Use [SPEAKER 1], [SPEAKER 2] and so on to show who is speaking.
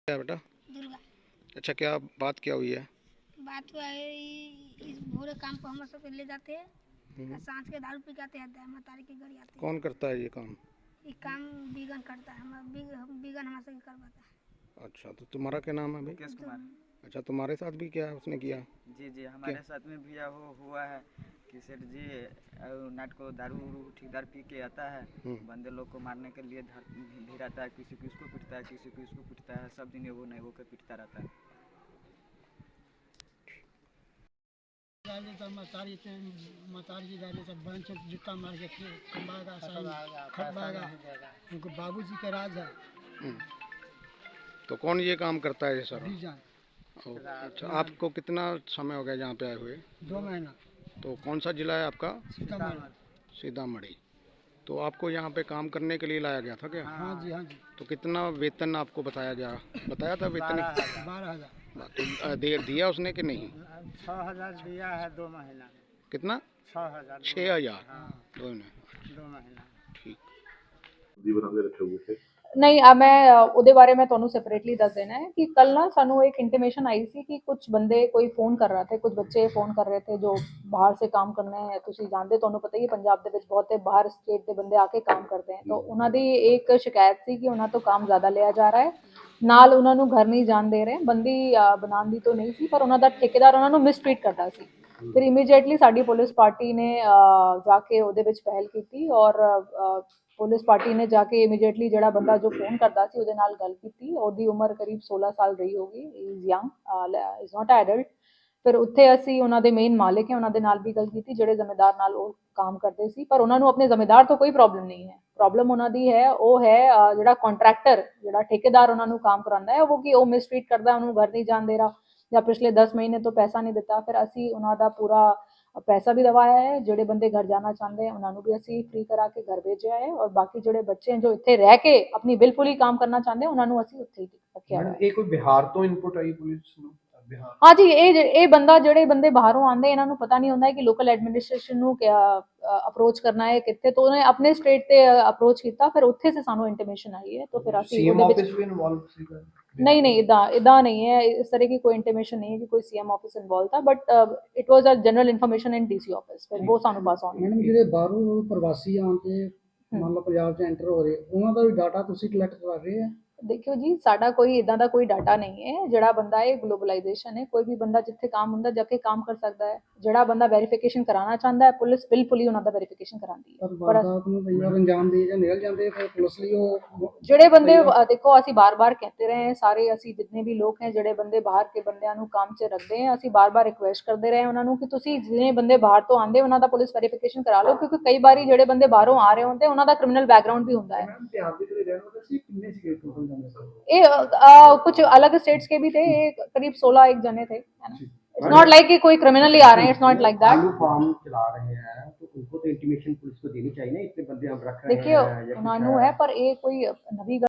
[SPEAKER 1] क्या बेटा?
[SPEAKER 2] दुर्गा।
[SPEAKER 1] अच्छा, क्या बात क्या हुई है?
[SPEAKER 2] बात हुआ है इस भोरे काम पर हम सब ले जाते हैं
[SPEAKER 1] हम्म।
[SPEAKER 2] और सांझ के दारू पी के आते हैं मतारी के घर आते हैं।
[SPEAKER 1] कौन करता है ये काम?
[SPEAKER 2] ये काम बीगन करता है, बीगन हमारे से करवाता है।
[SPEAKER 1] अच्छा, तो तुम्हारा क्या नाम है भाई?
[SPEAKER 3] मुकेश कुमार।
[SPEAKER 1] अच्छा, तुम्हारे साथ भी क्या उसने किया?
[SPEAKER 3] जी जी, हमारे साथ में भी हुआ है कि सेठ जी नाट को दारू ठेकेदार पी के आता है, बंदे लोग को मारने के लिए भिड़ाता है, किसी को इसको पीटता है, किसी को इसको पीटता है, सब दिन वो नहीं वो के पीटता रहता है।
[SPEAKER 4] मतारी डाले सब बहन से जुत्ता मार के खंबागा खटबागा उनको बाबूजी के राज है।
[SPEAKER 1] तो कौन ये काम करता है ये सर?
[SPEAKER 4] बीजान।
[SPEAKER 1] अच्छा, आपको कितना समय हो गया यहाँ पे आए हुए?
[SPEAKER 4] 2 महीना।
[SPEAKER 1] तो कौन सा जिला है आपका?
[SPEAKER 4] सीतामढ़ी।
[SPEAKER 1] सीतामढ़ी। तो आपको यहाँ पे काम करने के लिए लाया गया था क्या?
[SPEAKER 4] हाँ जी, हाँ जी।
[SPEAKER 1] तो कितना वेतन आपको बताया गया? बताया था वेतन?
[SPEAKER 4] 12,000।
[SPEAKER 1] तो देर दिया उसने कि नहीं?
[SPEAKER 4] 6,000 दिया है 2 महीना।
[SPEAKER 1] कितना?
[SPEAKER 4] 6,000।
[SPEAKER 1] 6,000?
[SPEAKER 4] हाँ।
[SPEAKER 1] 2
[SPEAKER 4] महीना।
[SPEAKER 1] ठीक।
[SPEAKER 5] ਜੀ ਬਣਾ ਕੇ ਰੱਖੇ ਹੋਏ थे।
[SPEAKER 6] नहीं मैं ਉਹਦੇ ਬਾਰੇ मैं ਤੁਹਾਨੂੰ सेपरेटली दस देना है कि कल ना सानू एक इंटीमेशन आई सी कि कुछ बंदे कोई फोन कर रहा थे, कुछ बच्चे फोन कर रहे थे जो बाहर से काम करने हैं। ਤੁਸੀਂ ਜਾਣਦੇ, ਤੁਹਾਨੂੰ ਪਤਾ ਹੀ पंजाब ਦੇ ਵਿੱਚ ਬਹੁਤੇ ਬਾਹਰ ਸਟੇਟ ਦੇ ਬੰਦੇ ਆ ਕੇ ਕੰਮ ਕਰਦੇ हैं। तो ਉਹਨਾਂ ਦੀ एक शिकायत ਸੀ कि ਉਹਨਾਂ ਤੋਂ ਕੰਮ ਜ਼ਿਆਦਾ ਲਿਆ ਜਾ रहा है, ਨਾਲ ਉਹਨਾਂ ਨੂੰ ਘਰ ਨਹੀਂ ਜਾਣ ਦੇ ਰਹੇ। ਬੰਦੀ ਬਣਾਉਣ ਦੀ तो नहीं सी, पर ਉਹਨਾਂ ਦਾ ਠੇਕੇਦਾਰ ਉਹਨਾਂ ਨੂੰ ਮਿਸਟ੍ਰੀਟ ਕਰਦਾ ਸੀ। ਫਿਰ ਇਮੀਡੀਏਟਲੀ ਸਾਡੀ ਪੁਲਿਸ ਪਾਰਟੀ ਨੇ ਜਾ ਕੇ ਉਹਦੇ ਵਿੱਚ ਪਹਿਲ ਕੀਤੀ ਔਰ पुलिस पार्टी ने जाके इमीडिएटली जड़ा बंदा जो फोन करता सी ਉਹਦੇ ਨਾਲ ਗੱਲ ਕੀਤੀ। ਉਹਦੀ ਉਮਰ ਕਰੀਬ 16 ਸਾਲ ਰਹੀ ਹੋਗੀ। Is young, is not adult. ਫਿਰ ਉੱਥੇ ਅਸੀਂ ਉਹਨਾਂ ਦੇ ਮੇਨ ਮਾਲਿਕ ਹੈ, ਉਹਨਾਂ ਦੇ ਨਾਲ ਵੀ ਗੱਲ ਕੀਤੀ ਜਿਹੜੇ ਜ਼ਿੰਮੇਦਾਰ ਨਾਲ ਉਹ ਕੰਮ ਕਰਦੇ ਸੀ। ਪਰ ਉਹਨਾਂ ਨੂੰ ਆਪਣੇ ਜ਼ਿੰਮੇਦਾਰ ਤੋਂ ਕੋਈ ਪ੍ਰੋਬਲਮ ਨਹੀਂ ਹੈ। ਪ੍ਰੋਬਲਮ ਉਹਨਾਂ ਦੀ ਹੈ ਉਹ ਹੈ ਜਿਹੜਾ ਕੰਟਰੈਕਟਰ, ਜਿਹੜਾ ਠੇਕੇਦਾਰ ਉਹਨਾਂ ਨੂੰ ਕੰਮ ਕਰਾਉਂਦਾ ਹੈ, ਉਹ ਕਿ ਉਹ ਮਿਸਟ੍ਰੀਟ ਕਰਦਾ, ਉਹਨੂੰ ਘਰ ਨਹੀਂ ਜਾਣ ਦੇ ਰਿਹਾ ਜਾਂ ਪਿਛਲੇ 10 ਮਹੀਨੇ ਤੋਂ ਪੈਸਾ ਨਹੀਂ ਦਿੱਤਾ। ਫਿਰ ਅਸੀਂ ਉਹਨਾਂ ਦਾ ਪੂਰਾ पैसा भी दवाया है। जोड़े बंदे घर जाना चाहते हैं उन्होंने भी असी फ्री करा के घर भेजा है और बाकी जोड़े बच्चे हैं जो इतने रह के अपनी बिलफुली काम करना चाहते हैं उन्होंने असी उत्थे ही रखा है।
[SPEAKER 5] कोई बिहार तो इनपुट आई पुलिस ਨੂੰ?
[SPEAKER 6] हाँ जी, ये बंदा जोड़े बंदे बाहरों आते हैं इन्होंने पता नहीं होता है कि लोकल एडमिनिस्ट्रेशन ਨੂੰ क्या अप्रोच करना है कितने, तो उन्हें अपने स्टेट ते अप्रोच किया। फिर उत्थे से सानू इंटीमेशन आई है तो फिर असी
[SPEAKER 5] सीएम ऑफिस भी इन्वॉल्व सीगा?
[SPEAKER 6] नहीं नहीं, इदा नहीं है, इस तरह की कोई इंटीमेशन नहीं है कि कोई सीएम ऑफिस इन्वॉल्व था, but it was a general information in DC office. फिर वो सानू पास ऑन।
[SPEAKER 4] मैडम ਜਿਹੜੇ ਬਾਹਰੋਂ ਪ੍ਰਵਾਸੀ ਆਉਣ ਤੇ ਮੰਨ ਲਓ ਪੰਜਾਬ 'ਚ ਐਂਟਰ ਹੋ ਰਹੇ, ਉਹਨਾਂ ਦਾ ਵੀ ਡਾਟਾ ਤੁਸੀਂ ਕਲੈਕਟ ਕਰ ਰਹੇ ਆ?
[SPEAKER 6] देखियो जी, साडा कोई इदा का कोई डाटा नहीं है। जड़ा बंदा है ग्लोबलाइजेशन है, कोई भी बंदा जिथे काम होंदा जाके काम कर सकता है। जड़ा बंदा वेरीफिकेशन कराना चाहता है पुलिस बिल्कुल ही उन्होंने वेरीफिकेशन कराती है।
[SPEAKER 4] पर कई बार अंजाम दे ਜਾਂ ਨਿਕਲ ਜਾਂਦੇ ਫਿਰ ਪੁਲਿਸ ਲਈ ਉਹ
[SPEAKER 6] ਜਿਹੜੇ ਬੰਦੇ देखो ਅਸੀਂ बार-बार कहते रहे हैं सारे ਅਸੀਂ जितने भी लोग हैं ਜਿਹੜੇ ਬੰਦੇ ਬਾਹਰ ਕੇ ਬੰਦਿਆਂ ਨੂੰ ਕੰਮ 'ਚ ਰੱਖਦੇ हैं, ਅਸੀਂ बार-बार रिक्वेस्ट करते रहे ਉਹਨਾਂ ਨੂੰ ਕਿ ਤੁਸੀਂ ਜਿਹੜੇ ਬੰਦੇ ਬਾਹਰ ਤੋਂ ਆਉਂਦੇ ਉਹਨਾਂ ਦਾ ਪੁਲਿਸ ਵੈਰੀਫਿਕੇਸ਼ਨ ਕਰਾ ਲਓ, ਕਿਉਂਕਿ ਕਈ ਵਾਰੀ ਜਿਹੜੇ ਬੰਦੇ ਬਾਹਰੋਂ ਆ ਰਹੇ ਹੁੰਦੇ ਉਹਨਾਂ ਦਾ ਕ੍ਰਿਮੀਨਲ ਬੈਕਗ੍ਰਾਉਂਡ ਵੀ ਹੁੰਦਾ है।
[SPEAKER 4] ਮੈਮ ਬਿਹਾਰ ਦੇ ਜਿਹੜੇ ਰਹਿਣ ਵਾਲੇ ਸੀ ਕਿੰਨੇ ਸੀਗੇ ਟੋਟਲ ਜਣੇ?
[SPEAKER 6] ये कुछ अलग स्टेट्स के भी थे, करीब 16 एक जने थे, है ना। इट्स नॉट लाइक कि कोई क्रिमिनली आ रहे हैं, it's not like that.
[SPEAKER 5] Form चला रहे हैं तो उनको तो इंटीमेशन पुलिस को देनी चाहिए ना, इतने बंदे हम रख रहे हैं।
[SPEAKER 6] देखिए उन्होंने है पर ये कोई नवी